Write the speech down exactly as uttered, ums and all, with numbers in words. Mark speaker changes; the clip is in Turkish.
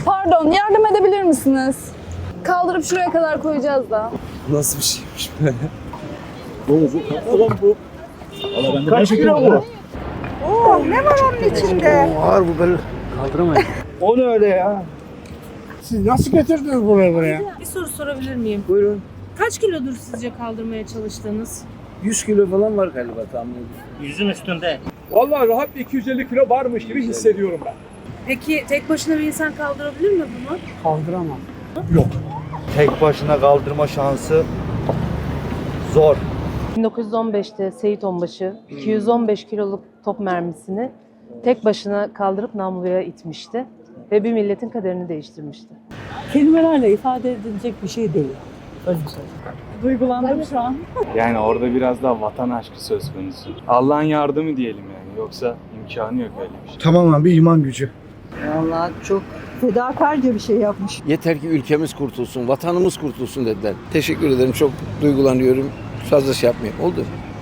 Speaker 1: Pardon, yardım edebilir misiniz? Kaldırıp şuraya kadar koyacağız da.
Speaker 2: Nasıl bir şeymiş böyle?
Speaker 3: Kaç kilo bu?
Speaker 4: Oo, ne var onun içinde?
Speaker 2: Ağır bu böyle. Kaldıramayız.
Speaker 3: O ne öyle ya?
Speaker 5: Siz nasıl getirdiniz buraya buraya?
Speaker 6: Bir soru sorabilir miyim?
Speaker 2: Buyurun.
Speaker 6: Kaç kilodur sizce kaldırmaya çalıştığınız?
Speaker 2: yüz kilo falan var galiba tahmin ediyorum.
Speaker 7: Yüzün üstünde.
Speaker 3: Vallahi rahat iki yüz elli kilo varmış gibi hissediyorum ben.
Speaker 6: Peki tek başına bir insan kaldırabilir mi bunu?
Speaker 5: Kaldıramam.
Speaker 8: Tek başına kaldırma şansı zor.
Speaker 9: bin dokuz yüz on beşte Seyit Onbaşı iki yüz on beş kiloluk top mermisini tek başına kaldırıp namluya itmişti ve bir milletin kaderini değiştirmişti.
Speaker 10: Kelimelerle ifade edilecek bir şey değil. Öyle söyleyeyim. Duygulandım şu an.
Speaker 11: Yani orada biraz daha vatan aşkı söz konusu. Allah'ın yardımı diyelim yani. Yoksa imkanı yok öyle bir şey.
Speaker 5: Tamamen bir iman gücü.
Speaker 10: Vallahi çok fedakarca bir şey yapmış.
Speaker 2: Yeter ki ülkemiz kurtulsun, vatanımız kurtulsun dediler. Teşekkür ederim. Çok duygulanıyorum. Fazla şey yapmayayım. Oldu.